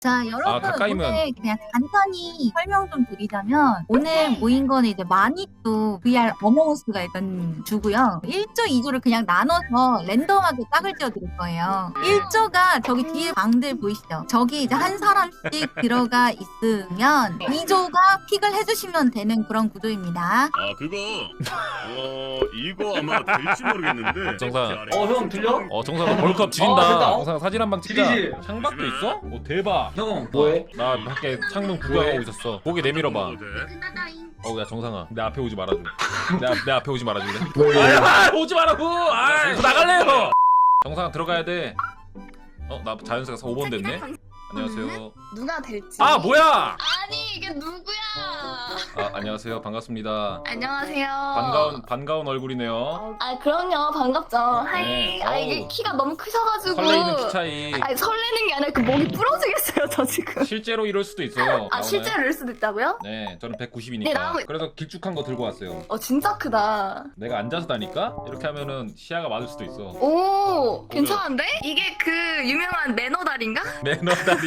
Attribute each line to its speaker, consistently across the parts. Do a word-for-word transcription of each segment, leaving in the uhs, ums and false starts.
Speaker 1: 자, 여러분
Speaker 2: 아, 가까이면.
Speaker 1: 오늘 그냥 간단히 설명 좀 드리자면 오늘 모인 거는 이제 마니또 브이알 어몽어스가 일단 주고요. 일 조, 이 조를 그냥 나눠서 랜덤하게 짝을 지어 드릴 거예요. 일 조가 저기 뒤에 방들 보이시죠? 저기 이제 한 사람씩 들어가 있으면 이 조가 픽을 해주시면 되는 그런 구조입니다.
Speaker 3: 아 그거 어 이거 아마 될지 모르겠는데
Speaker 2: 정상.
Speaker 4: 어, 형 들려?
Speaker 2: 어 정상아 벌컵 지린다.
Speaker 4: 어, 됐다.
Speaker 2: 정상 사진 한 방 찍자.
Speaker 4: 지리지.
Speaker 2: 창밖도 있어? 오 대박.
Speaker 4: 형 뭐해?
Speaker 2: 나 밖에 창문 구경하고
Speaker 4: 왜?
Speaker 2: 있었어. 고개 내밀어봐.
Speaker 3: 어, 네.
Speaker 2: 어우 야 정상아 내 앞에 오지 말아줘. 내, 앞, 내 앞에 오지 말아줄래?
Speaker 4: 왜?
Speaker 2: 아, 오지 말라고. 아, 저 나갈래요. 정상아 들어가야 돼. 어 나 자연스가 오 번 됐네. 안녕하세요.
Speaker 5: 누가 될지.
Speaker 2: 아 뭐야?
Speaker 5: 아니 이게 누구야?
Speaker 2: 아 안녕하세요 반갑습니다.
Speaker 5: 안녕하세요.
Speaker 2: 반가운 반가운 얼굴이네요.
Speaker 5: 아 그럼요 반갑죠. 하이.
Speaker 2: 네,
Speaker 5: 아
Speaker 2: 어우.
Speaker 5: 이게 키가 너무 크셔가지고.
Speaker 2: 설레이는 키 차이.
Speaker 5: 아니 설레는 게 아니라 그 목이 부러지겠어요 저 지금.
Speaker 2: 실제로 이럴 수도 있어요.
Speaker 5: 아
Speaker 2: 나오나요?
Speaker 5: 실제로 이럴 수도 있다고요?
Speaker 2: 네, 저는 백구십이니까.
Speaker 5: 네, 나오고-
Speaker 2: 그래서 길쭉한 거 들고 왔어요.
Speaker 5: 어 진짜 크다.
Speaker 2: 내가 앉아서 다니까 이렇게 하면은 시야가 맞을 수도 있어.
Speaker 5: 오 괜찮은데? 이게 그 유명한 매너다리인가?
Speaker 2: 매너다리.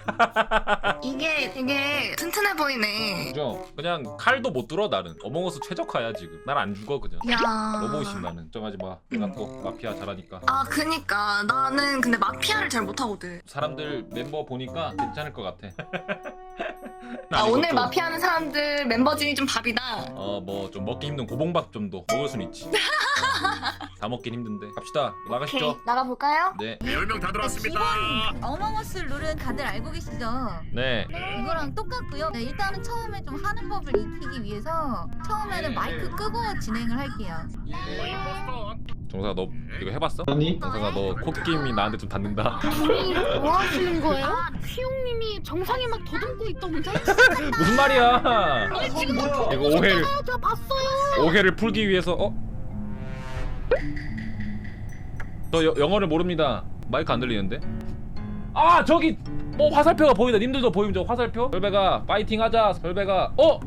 Speaker 5: 이게 되게 튼튼해 보이네.
Speaker 2: 그죠? 그냥 칼도 못 들어 나는. 어몽어스 최적화야 지금. 날 안 죽어 그냥.
Speaker 5: 야.
Speaker 2: 로봇임 나는. 걱정하지 마. 내가 또 마피아 잘하니까.
Speaker 5: 아 그니까 나는 근데 마피아를 잘 못하거든.
Speaker 2: 사람들 멤버 보니까 괜찮을 것 같아.
Speaker 5: 아
Speaker 2: 난
Speaker 5: 오늘
Speaker 2: 이것도,
Speaker 5: 마피아하는 사람들 멤버 중에 좀 밥이다.
Speaker 2: 어 뭐 좀 먹기 힘든 고봉밥 정도 먹을 순 있지. 다 먹긴 힘든데. 갑시다. 나가시죠.
Speaker 5: 오케이 나가볼까요?
Speaker 2: 네.
Speaker 3: 열 명 다 들어왔습니다.
Speaker 1: 어몽어스 룰은 다들 알고 계시죠?
Speaker 2: 네.
Speaker 1: 이거랑 똑같고요. 네, 일단은 처음에 좀 하는 법을 익히기 위해서 처음에는 마이크 끄고 진행을 할게요.
Speaker 2: 정사가 너 이거 해봤어?
Speaker 4: 아니?
Speaker 2: 정사가 너 코끼임이 나한테 좀 닿는다.
Speaker 6: 뭐 하시는 거예요? 피용님이 정상에 막 더듬고 있던데?
Speaker 2: 무슨 말이야?
Speaker 6: 지금
Speaker 4: 뭐야?
Speaker 2: 이거 오해를
Speaker 6: 제가 봤어요.
Speaker 2: 오해를 풀기 위해서 어? 저 여, 영어를 모릅니다. 마이크 안 들리는데? 아 저기 어 화살표가 보인다. 님들도 보이면 저 화살표? 설배가 파이팅 하자. 설배가 어?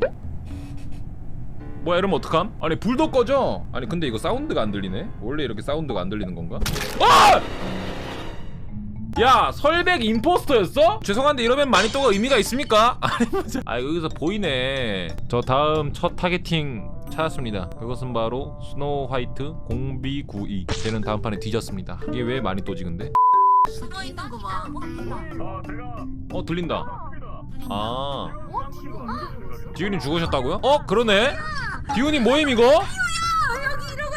Speaker 2: 뭐야 이러면 어떡함? 아니 불도 꺼져. 아니 근데 이거 사운드가 안 들리네? 원래 이렇게 사운드가 안 들리는 건가? 아! 야 설백 임포스터였어? 죄송한데 이러면 마니또가 의미가 있습니까? 아니 뭐지? 아 여기서 보이네. 저 다음 첫 타겟팅 찾았습니다. 그것은 바로 스노우 화이트 공비구이. 쟤는 다음 판에 뒤졌습니다. 이게 왜 마니또지 근데?
Speaker 1: 숨어 있는 거 봐.
Speaker 3: 아 제가
Speaker 2: 어 들린다. 아 디우님 죽으셨다고요? 어 그러네. 디우님 모임 이거?
Speaker 1: 여기 이러고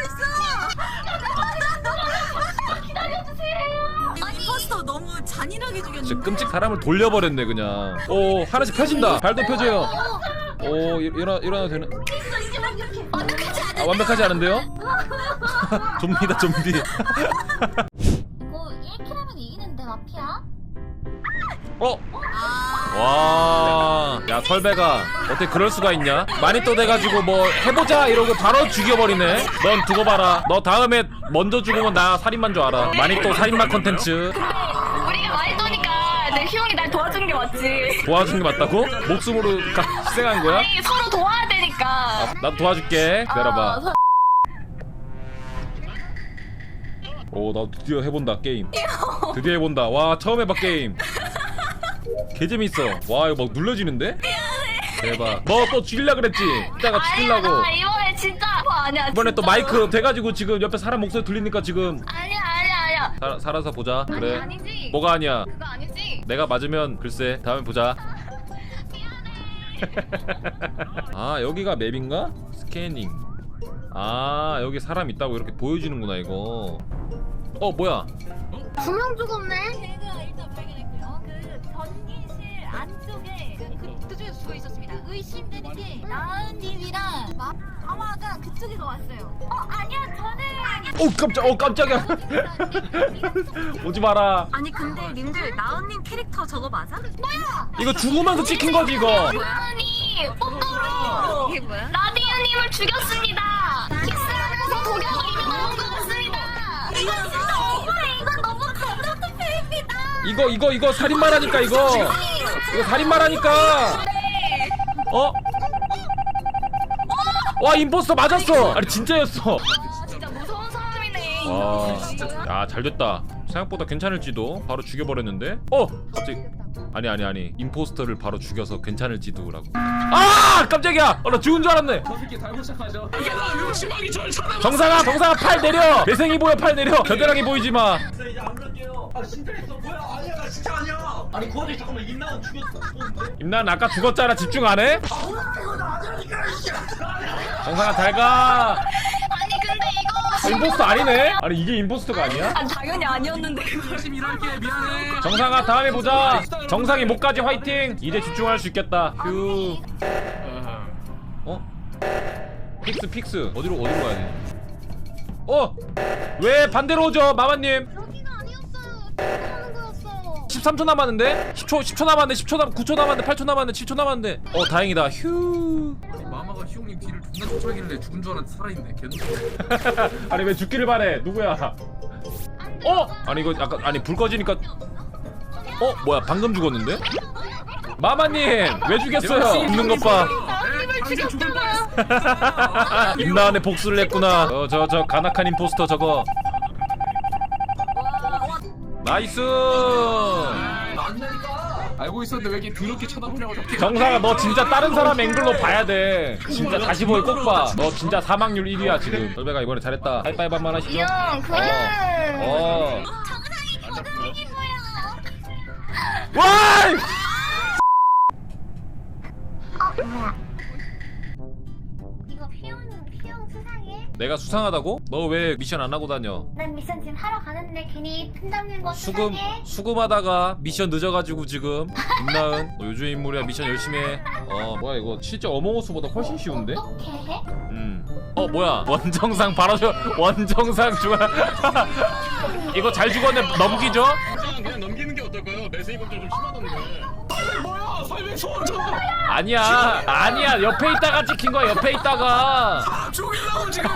Speaker 1: 있어. 아니 포스터 너무 잔인하게 죽였는데.
Speaker 2: 진짜 끔찍 사람을 돌려버렸네 그냥. 오 하나씩 펴진다. 발도 펴져요. 오 일- 일어나 일어나도 되는? 아 완벽하지 않은데요? 좀비다 좀비.
Speaker 5: 이거 일 킬하면 이기는데 마피아?
Speaker 2: 어? 와, 야 설배가 어떻게 그럴 수가 있냐? 마니또 돼가지고 뭐 해보자 이러고 바로 죽여버리네. 넌 두고 봐라. 너 다음에 먼저 죽으면 나 살인만 줄 알아. 마니또 살인마 컨텐츠
Speaker 5: 우리가 많이 떠니까 내 희용이 날 도와주는 게 맞지.
Speaker 2: 도와준 게 맞다고? 목숨으로 가- 희생한 거야?
Speaker 5: 아니 서로 도와야 되니까.
Speaker 2: 나도 도와줄게. 기다려봐.
Speaker 5: 아, 서-
Speaker 2: 오, 나 드디어 해본다 게임. 드디어 해본다. 와, 처음 해봐 게임. 개 재밌어. 와, 이거 막 눌러지는데? 대박. 너 또 죽일라 그랬지? 이따가 죽일라고.
Speaker 5: 아니야 나 이번에 진짜 그거 아니야.
Speaker 2: 이번에 또
Speaker 5: 진짜로.
Speaker 2: 마이크 돼가지고 지금 옆에 사람 목소리 들리니까 지금
Speaker 5: 아니야 아니야 아니야.
Speaker 2: 살, 살아서 보자. 그래.
Speaker 5: 아니 아니지.
Speaker 2: 뭐가 아니야?
Speaker 5: 그거 아니지.
Speaker 2: 내가 맞으면 글쎄 다음에 보자. 아 여기가 맵인가? 스캐닝. 아 여기 사람 있다고 이렇게 보여주는구나 이거. 어 뭐야?
Speaker 6: 두 명 죽었네.
Speaker 1: 제가 일단 발견했고요. 그 전기실 안쪽에 그, 그쪽에서 죽어 있었습니다. 의심되는 게 나은님이랑 마, 아마가 그쪽에서 왔어요. 어 아니야 저는.
Speaker 2: 오 깜짝. 어 깜짝이야. 오지 마라.
Speaker 1: 아니 근데 님들 나은님 캐릭터 저거 맞아?
Speaker 2: 이거 죽으면서 찍힌 거지 이거.
Speaker 5: 아니 뽀뽀로
Speaker 1: 이게 뭐야?
Speaker 5: 라디오님을 죽였습니다. 키스하면서 독약을 나온 것 같습니다. 이거 진짜 억울해. 이건 너무 감정 투표입니다.
Speaker 2: 이거 이거 이거 살인마라니까 이거. 이거 살인마라니까. 어? 와 임포스터 맞았어. 아니 진짜였어.
Speaker 5: 진짜 무서운 사람이네.
Speaker 2: 와, 야, 잘 됐다. 생각보다 괜찮을지도. 바로 죽여버렸는데. 어, 갑자기 아니 아니 아니 임포스터를 바로 죽여서 괜찮을지도라고. 아 깜짝이야. 어, 나 죽은 줄 알았네.
Speaker 4: 저 새끼 달고 시작하죠.
Speaker 2: 정상아 정상아 팔 내려. 매생이 보여 팔 내려. 겨드랑이 보이지 마.
Speaker 4: 이제 안 그럴게요. 아 진짜 있어 뭐야? 아니야 나 진짜 아니야. 아니 그 와중에 잠깐만 임나은 죽였어. 죽었는데?
Speaker 2: 임난 아까 죽었잖아. 집중 안 해? 정상아 잘 가.
Speaker 5: 아니 근데 이거
Speaker 2: 임포스터 아니네? 아니 이게 임포스터가 아니야?
Speaker 5: 아, 당연히 아니었는데 그거.
Speaker 4: 열심히 일할게 미안해.
Speaker 2: 정상아 다음에 보자. 정상이 목까지 화이팅. 이제 집중할 수 있겠다. 휴. 어? 픽스 픽스 어디로 어디로 가야 돼? 어? 왜 반대로 오죠 마마님?
Speaker 6: 여기가 아니었어요. 하는 거였어.
Speaker 2: 십삼 초 남았는데? 십 초 십 초 남았는데 십 초 남 구 초 남았는데 팔 초 남았는데 칠 초 남았는데 어 다행이다 휴.
Speaker 4: 아니 마마가 희용님 뒤를 존나 쫓아길래 죽은 줄 알았는데 살아있네. 개놈.
Speaker 2: 아니 왜 죽기를 바래 누구야? 어? 아니 이거 약간 아니 불 꺼지니까 어? 뭐야 방금 죽었는데? 마마님 왜 죽였어요? 죽는 것 봐. 임나은의 복수를 했구나. 어 저 저 가나칸 임포스터 저거. 나이스.
Speaker 4: 알고 있었는데 왜 이렇게 더럽게 쳐다보냐고.
Speaker 2: 정상아 너 진짜 다른 사람 앵글로 봐야 돼. 진짜 다시 보기 꼭 봐. 너 진짜 사망률 일 위야 지금. 설배가 이번에 잘했다. 하이파이브 한번 하시죠.
Speaker 5: 형 그래.
Speaker 2: 어.
Speaker 5: 정상이 거듭이긴 거야.
Speaker 2: 와!
Speaker 5: 이거 피용 피용 수상해?
Speaker 2: 내가 수상하다고? 너 왜 미션 안 하고 다녀?
Speaker 5: 난 미션 지금 하러 가는데 괜히 팀장님 거
Speaker 2: 수금
Speaker 5: 수상해?
Speaker 2: 수금하다가 미션 늦어가지고 지금 임나은 너 요즘 인물이야 미션 열심히 해. 어 뭐야 이거 실제 어몽어스보다 훨씬 쉬운데?
Speaker 5: 어떻게 해?
Speaker 2: 음어 뭐야 원정상 바로 저 원정상 중앙 이거 잘 죽었네 넘기죠?
Speaker 3: 그냥 넘기는 게 어떨까요? 매생이 검정 좀 심하던데.
Speaker 4: 뭐야? 설명 소원줘.
Speaker 2: 아니야 아니야 옆에 있다가 찍힌 거야 옆에 있다가
Speaker 4: 죽이려고 지금.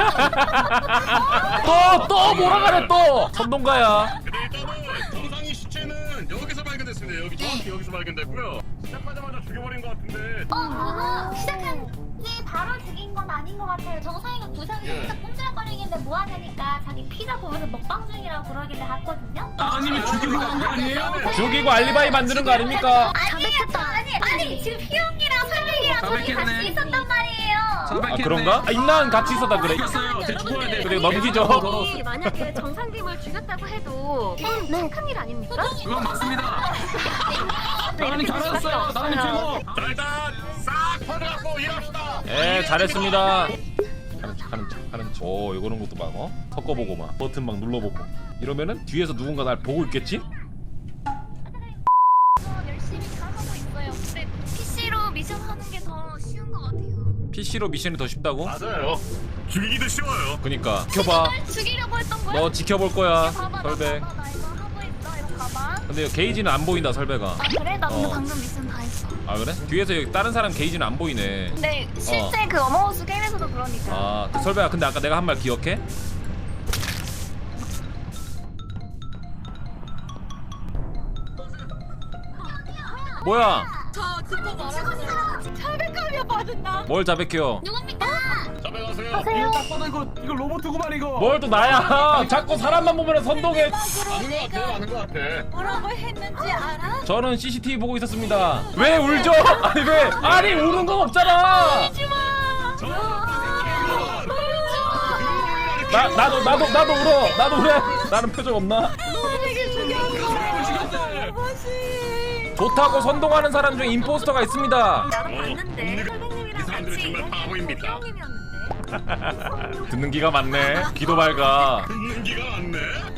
Speaker 2: 또 또 몰아가네 또 선동가야.
Speaker 3: 근데 일단은 정상이 시체는 여기서 발견됐습니다. 여기 정확히 여기서 발견됐고요. 시작하자마자 죽여버린 것 같은데.
Speaker 5: 어 그거 시작한 게 바로 죽인 건 아닌 것 같아요. 정상이가 부상이
Speaker 3: 예.
Speaker 5: 살짝 꼼지락거리길래 뭐 하냐니까 자기 피자 보면서 먹방 중이라고 그러길래 갔거든요.
Speaker 4: 아니면 죽이고 간 거 아니에요?
Speaker 2: 죽이고 알리바이 만드는 거 아닙니까?
Speaker 5: 자백했다. 아니 아니 지금 피용이랑 설명이랑 저기
Speaker 4: 자백했네.
Speaker 5: 같이 있었단 말이에요.
Speaker 2: 아 그런가? 아, 임나은 같이 있었다 그래.
Speaker 4: 죽였어요. 쟤 죽어야 돼.
Speaker 2: 그래 넘기죠.
Speaker 6: 아니, 만약에 정상님을 죽였다고 해도 네. 착한 일 아닙니까?
Speaker 4: 그건 맞습니다. 나은이 잘했어요. 나은이 최고.
Speaker 3: 자 일단 싹 퍼져갖고 일합시다.
Speaker 2: 예 잘했습니다. 하는 척 하는 척 하는 척. 오 이거는 것도 막 어? 섞어보고 막 버튼 막 눌러보고 이러면은 뒤에서 누군가 날 보고 있겠지?
Speaker 6: 열심히 잘하고 있어요. 근데 피씨로 미션 하는 게 더 쉬운 것 같아요.
Speaker 2: 피씨로 미션이 더 쉽다고?
Speaker 3: 맞아요. 죽이기도 쉬워요.
Speaker 2: 그니까 지켜봐.
Speaker 6: 죽이려고 했던 거야?
Speaker 2: 너 지켜볼 거야
Speaker 6: 봐봐, 나
Speaker 2: 설배.
Speaker 6: 봐봐, 나 이거 하고 있어. 이거 봐봐.
Speaker 2: 근데 게이지는 안 보인다 설배가.
Speaker 6: 아 그래? 나 근데
Speaker 2: 어.
Speaker 6: 방금 미션 다 했어.
Speaker 2: 아 그래? 뒤에서 여기 다른 사람 게이지는 안 보이네.
Speaker 6: 근데 실제 그 어머우스 게임에서도 그러니까.
Speaker 2: 아 그 설배야 근데 아까 내가 한 말 기억해? 뭐야?
Speaker 6: 자백하며 받은다.
Speaker 2: 뭘 자백해요?
Speaker 5: 누굽니까?
Speaker 3: 잡아가세요.
Speaker 4: 이거 딱 봐도 이거 이거 로봇구만 이거.
Speaker 2: 뭘 또 나야? 자꾸 사람만 보면 선동해.
Speaker 3: 아는 것 같아. 아는 것 같아.
Speaker 6: 뭐라고 했는지 알아?
Speaker 2: 저는 씨씨티비 보고 있었습니다. 왜 울죠? 아니 왜? 아니 우는 건 없잖아. 나 나도 나도 나도 울어. 나도 울어. 나는 표정 없나? 좋다고 선동하는 사람 중에 임포스터가 있습니다.
Speaker 6: 나도 봤는데 선생님이랑
Speaker 3: 이 사람들은
Speaker 6: 같이
Speaker 3: 정말 바보입니다.
Speaker 6: 형님이었는데.
Speaker 2: 듣는 기가 많네. 귀도 밝아.
Speaker 3: 듣는 기가 많네.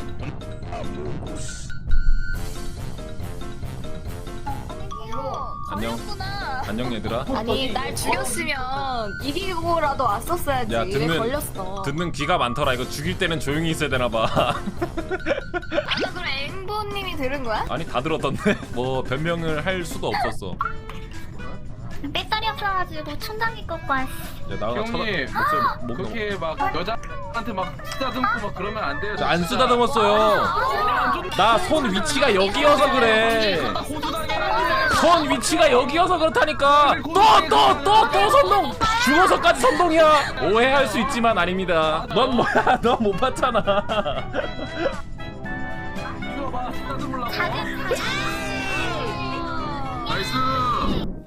Speaker 2: 안녕.
Speaker 6: 걸렸구나.
Speaker 2: 안녕 얘들아.
Speaker 6: 아니 날 죽였으면 이기고라도 왔었어야지.
Speaker 2: 야,
Speaker 6: 왜
Speaker 2: 듣는-
Speaker 6: 걸렸어?
Speaker 2: 듣는 귀가 많더라. 이거 죽일 때는 조용히 있어야 되나 봐.
Speaker 6: 아까 그럼 앵보님이 들은 거야?
Speaker 2: 아니 다 들었던데. 뭐 변명을 할 수도 없었어.
Speaker 5: 배터리 없어가지고 충전기 꽂고 왔어.
Speaker 2: 야 나가 쳐다.
Speaker 4: 형님,
Speaker 2: 목소리 목
Speaker 4: 그렇게 막 여자한테 막 쓰다듬고 막 그러면 안 돼요.
Speaker 2: 안 쓰다듬었어요. 나 손 위치가 여기여서 그래. 손 위치가 여기여서 그렇다니까. 또 또 또 또 선동. 죽어서까지 선동이야. 오해할 수 있지만 아닙니다. 넌 뭐야? 넌 못 봤잖아.
Speaker 4: 이거 봐, 쓰다듬으려고.
Speaker 5: 작은 사실.
Speaker 3: 나이스.